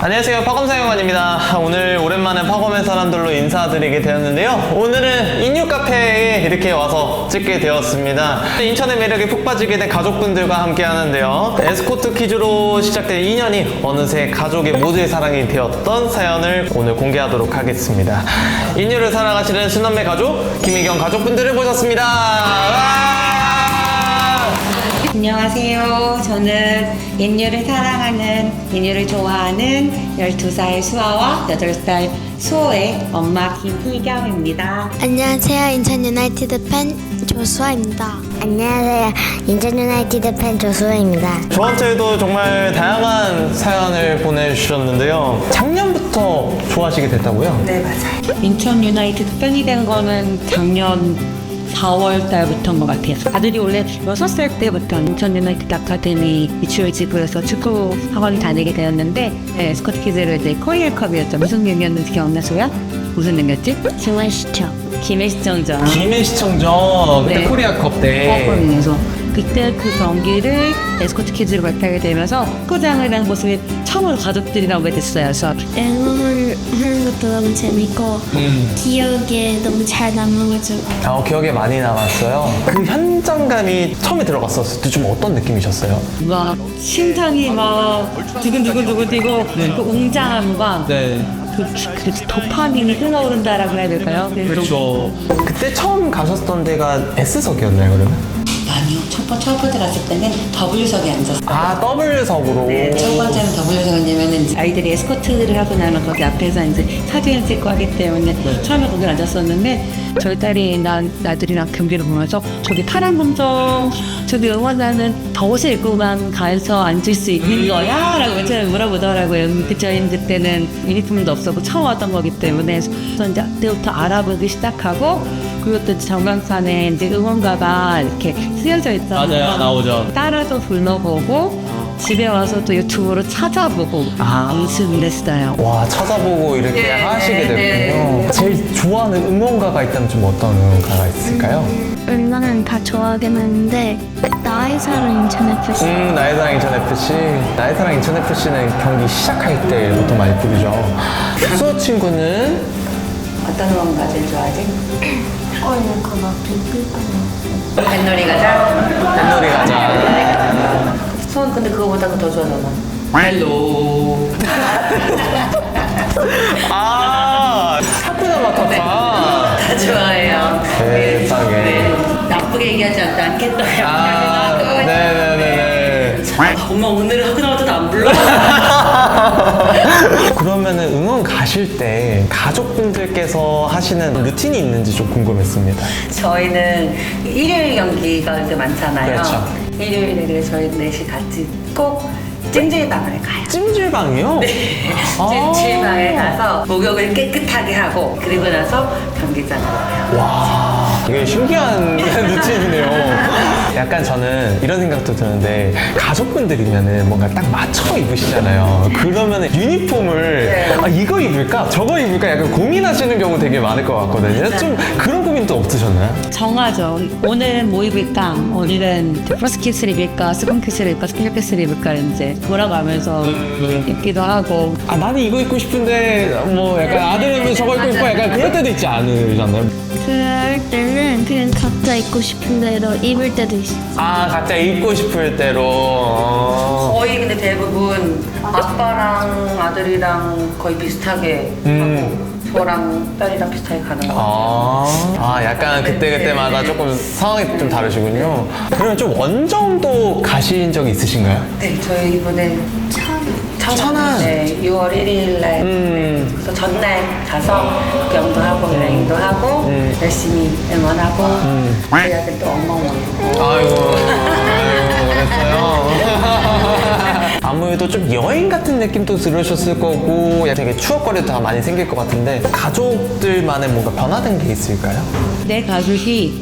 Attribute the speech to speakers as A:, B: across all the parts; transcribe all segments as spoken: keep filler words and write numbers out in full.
A: 안녕하세요, 파검사영관입니다. 오늘 오랜만에 파검의 사람들로 인사드리게 되었는데요. 오늘은 인유카페에 이렇게 와서 찍게 되었습니다. 인천의 매력에 푹 빠지게 된 가족분들과 함께 하는데요. 에스코트 퀴즈로 시작된 인연이 어느새 가족의 모두의 사랑이 되었던 사연을 오늘 공개하도록 하겠습니다. 인유를 사랑하시는 순남매 가족 김희경 가족분들을 모셨습니다. 와!
B: 안녕하세요. 저는 인유를 사랑하는, 인유를 좋아하는 열두 살 수아와 여덟 살 수호의 엄마 김희경입니다.
C: 안녕하세요. 인천 유나이티드 팬 조수아입니다. 안녕하세요. 인천 유나이티드 팬 조수아입니다.
A: 저한테도 정말 다양한 사연을 보내주셨는데요. 작년부터 좋아하시게 됐다고요?
B: 네, 맞아요. 인천 유나이티드 팬이 된 거는 작년 사월 달부터인 것 같아요. 아들이 원래 여섯 살 때부터 인천 유나이티드 아카데미 미추홀 지구에서 축구 학원을 다니게 되었는데, 네, 스코트 키즈를 이제 코리아컵이었죠. 무슨 경기였는지 기억나세요? 무슨 경기였지?
C: 중앙시청.
B: 김해시청전.
A: 김해시청전 그때
B: 네.
A: 코리아컵 때.
B: 컵에서 그때 그 경기를 에스코트 키즈로 발표하게 되면서 축구장을 한 모습이 처음으로 가족들이랑 오게 됐어요. 그래서
C: 응원을 하는 것도 너무 재밌고
A: 음.
C: 기억에 너무 잘 남아가지고
A: 아, 기억에 많이 남았어요. 그 현장감이 처음에 들어갔었을 때 좀 어떤 느낌이셨어요?
B: 막 심장이 막 두근두근두근 뛰고 그 웅장함과
A: 네.
B: 그, 그 도파민이 흘러오른다라고 해야 될까요?
A: 그렇죠. 그때 처음 가셨던 데가 S석이었나요, 그러면?
B: 아니요. 첫, 번, 첫 번째 갔을 때는 W석에 앉았어요.
A: 아, 더블석으로.
B: 네, 첫 번째는 W석이냐면은 아이들이 에스코트를 하고 나면 거기 앞에서 이제 사진을 찍고 하기 때문에
A: 네.
B: 처음에 거기 앉았었는데, 저희 딸이 나, 나들이랑 경기를 보면서 저기 파란 검정 저기 응원하는 더 옷을 입고만 가서 앉을 수 있는 거야? 라고 맨 처음에 물어보더라고요. 그 저희 그때는 유니폼도 없었고 처음 왔던 거기 때문에, 그래서 이제 그때부터 알아보기 시작하고, 그리고 또 정강산에 이제 응원가가 이렇게 쓰여져 있잖아요.
A: 맞아요, 나오죠.
B: 따라서 불러보고 집에 와서 또 유튜브로 찾아보고
A: 아.
B: 연습을 했어요.
A: 와, 찾아보고 이렇게
B: 네,
A: 하시게 됐군요.
B: 네.
A: 제일 좋아하는 응원가가 있다면 좀 어떤 응원가가 있을까요?
C: 응원은 다 좋아하긴 하는데 나의 사랑 인천 에프씨.
A: 음, 나의 사랑 인천에프씨. 나의 사랑 인천에프씨는 경기 시작할 때부터 많이 부르죠. 수호 친구는?
B: 어떤 응원가 제일 좋아하지?
C: 어이는 그거 빙빙.
B: 뱃놀이 가자.
A: 뱃놀이 가자.
B: 수원 근데 그거보다 더 좋아하잖아.
A: 헬로. 아, 사쿠나 마타파.
B: 다 좋아해요.
A: 세상에.
B: 네, 나쁘게 얘기하지 않- 않겠어요.
A: 아, 네네네네.
B: 엄마 오늘은 하나도 안 불러?
A: 그러면은 응원 가실 때 가족분들께서 하시는 루틴이 있는지 좀 궁금했습니다.
B: 저희는 일요일 경기가 이제 많잖아요.
A: 그렇죠.
B: 일요일에 저희 넷이 같이 꼭 찜질방을 가요.
A: 찜질방이요?
B: 네.
A: 아.
B: 찜질방에 가서 목욕을 깨끗하게 하고, 그리고 나서 경기장으로 가요.
A: 와, 이게 신기한 루틴이네요. 약간 저는 이런 생각도 드는데, 가족분들이면은 뭔가 딱 맞춰 입으시잖아요. 그러면은 유니폼을
B: 네.
A: 아, 이거 입을까? 저거 입을까? 약간 고민하시는 경우 되게 많을 것 같거든요. 좀 그런 고민도 없으셨나요?
B: 정하죠. 오늘은 뭐 입을까? 오늘은 프로스키스를 입을까? 스폰키스를 입을까? 스피커키스를 입을까? 이제 돌아가면서 입기도 하고.
A: 아, 나는 이거 입고 싶은데, 뭐 약간 아들은 저거 입고 싶어. 약간 그럴 때도 있지 않으셨나요?
C: 그럴 때는 그냥 각자 입고 싶은 대로 입을 때도 있어.
A: 아, 각자 입고 싶을 대로. 어.
B: 거의 근데 대부분 아빠랑 아들이랑 거의 비슷하게
A: 음.
B: 하고, 저랑 딸이랑 비슷하게 가는 것 같아요.
A: 아, 아 약간 그때그때마다 조금 상황이 좀 다르시군요. 그러면 좀 원정도 가신 적이 있으신가요?
B: 네, 저희 이번에
C: 천.
A: 천안.
B: 네, 유월 일일 날.
A: 음.
B: 그래서 전날 가서 구경도 하고 여행도 하고
A: 음.
B: 열심히 응원하고
A: 음.
B: 저희 아들 또 엉엉 울고.
A: 아이고, 아이고, 그랬어요. 아무래도 좀 여행 같은 느낌도 들으셨을 거고, 되게 추억거리도 다 많이 생길 것 같은데, 가족들만의 뭔가 변화된 게 있을까요?
B: 내 가족이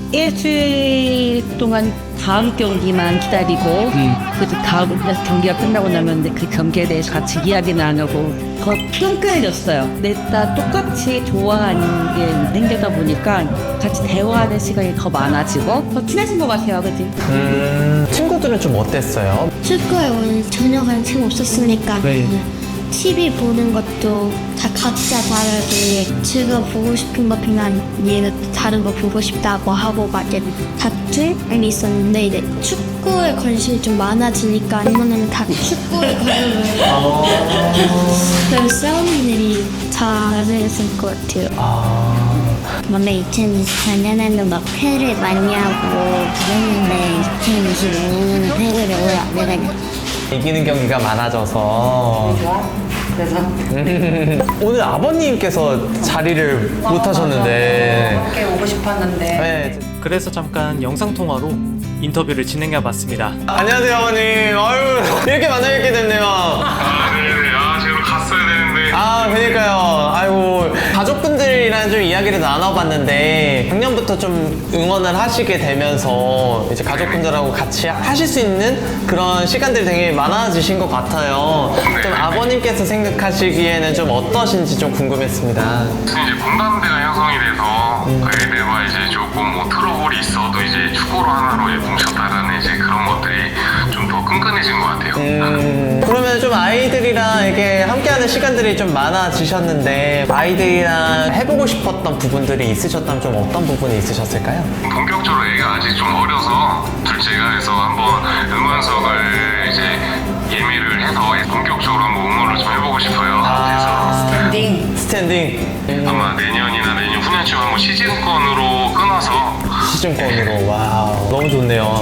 B: 일주일 동안 다음 경기만 기다리고, 그 다음 경기가 끝나고 나면 그 경기에 대해서 같이 이야기 나누고 더 끈끈해졌어요. 내 딸 똑같이 좋아하는 게 생기다 보니까 같이 대화하는 시간이 더 많아지고 더 친해진 것 같아요. 그치?
A: 음, 친구들은 좀 어땠어요?
C: 축구에 오늘 전혀 관심 없었으니까
A: 네.
C: 티비 보는 것도 다 각자 다르게 제가 보고 싶은 거 그냥 얘는 다른 거 보고 싶다고 하고 막 이렇게 다툼이 있었는데 이제 축구에 관심이 좀 많아지니까 이번에는 다 축구에 관심을 그래서 싸우는 일이 잘했을 것 같아요.
A: 아,
C: 원래 이천이십사 년에는 막 패를 많이 하고 그랬는데 이천이십오 년에는 패를 오래 안 해가지고
A: 이기는 경기가 많아져서.
B: 그래서
A: 오늘 아버님께서 자리를 못 하셨는데.
B: 함께 오고 싶었는데
A: 네.
D: 그래서 잠깐 영상통화로 인터뷰를 진행해봤습니다.
A: 안녕하세요, 아버님. 아유, 이렇게 만나뵙게 됐네요.
E: 아, 네네. 아, 제가 갔어야 되는데.
A: 아, 그러니까요. 아이고, 가족분들이랑 좀 이야기를 나눠봤는데 작년부터 좀 응원을 하시게 되면서 이제 가족분들하고 같이 하실 수 있는 그런 시간들이 되게 많아지신 것 같아요. 좀 아버님께서 생각하시기에는 좀 어떠신지 좀 궁금했습니다.
E: 이제 공감대가 형성이 돼서 애들과 이제 조금 뭐 트러블이 있어도 이제 축구로 하나로 뭉쳤다라는 이제 그런 것들이 좀 더 끈끈해진 것 같아요.
A: 음, 그러면 좀 아이들이랑 이렇게 함께하는 시간들이 좀 많아지셨는데 아이들이랑 해보고 싶었던 부분들이 있으셨다면 좀 어떤 부분이 있으셨을까요?
E: 본격적으로 애가 아직 좀 어려서 둘째가 해서 한번 응원 수업을 이제 예매를 해서 본격적으로 한번 응원을 좀 해보고 싶어요.
A: 아,
B: 스탠딩
A: 스탠딩.
E: 아마 내년이나 내년 후년쯤 한번 시즌권으로 끊어서
A: 시즌권으로. 와우, 너무 좋네요.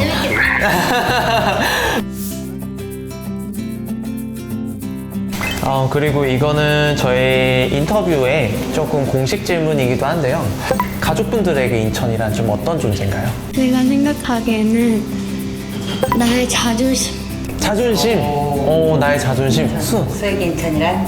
A: 어, 그리고 이거는 저희 인터뷰에 조금 공식 질문이기도 한데요. 가족분들에게 인천이란 좀 어떤 존재인가요?
C: 제가 생각하기에는 나의 자존심
A: 자존심. 오, 나의 자존심. 수.
B: 수액 인천이란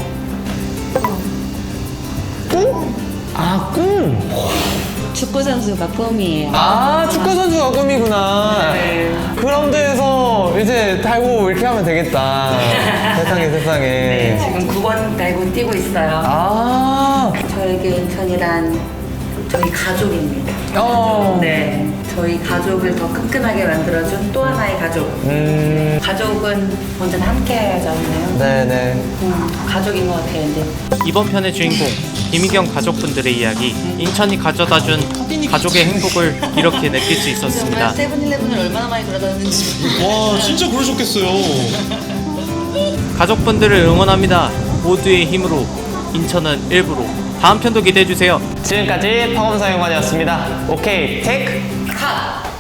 A: 꿈? 아, 꿈.
B: 축구 선수가 꿈이에요.
A: 아, 축구 선수가 꿈이구나.
B: 네.
A: 그라운드에서 이제 달고 이렇게 하면 되겠다. 세상에, 세상에.
B: 네, 지금 구 번 달고 뛰고 있어요.
A: 아,
F: 저에게 인천이란 저희 가족입니다.
A: 어.
F: 네, 저희 가족을 더 끈끈하게 만들어준 또 하나의 가족.
A: 음,
F: 가족은 언제나 함께하잖아요.
A: 네네.
F: 음, 가족인 것 같아요, 이제.
D: 이번 편의 주인공 김희경 가족분들의 이야기, 인천이 가져다준 가족의 행복을 이렇게 느낄 수 있었습니다.
F: 세븐일레븐을 얼마나 많이 돌아다녔는지.
G: 와 진짜 그러셨겠어요.
D: 가족분들을 응원합니다. 모두의 힘으로 인천은 일부로. 다음 편도 기대해주세요.
A: 지금까지 파검사연관이었습니다. 오케이, 테이크.
F: 컷!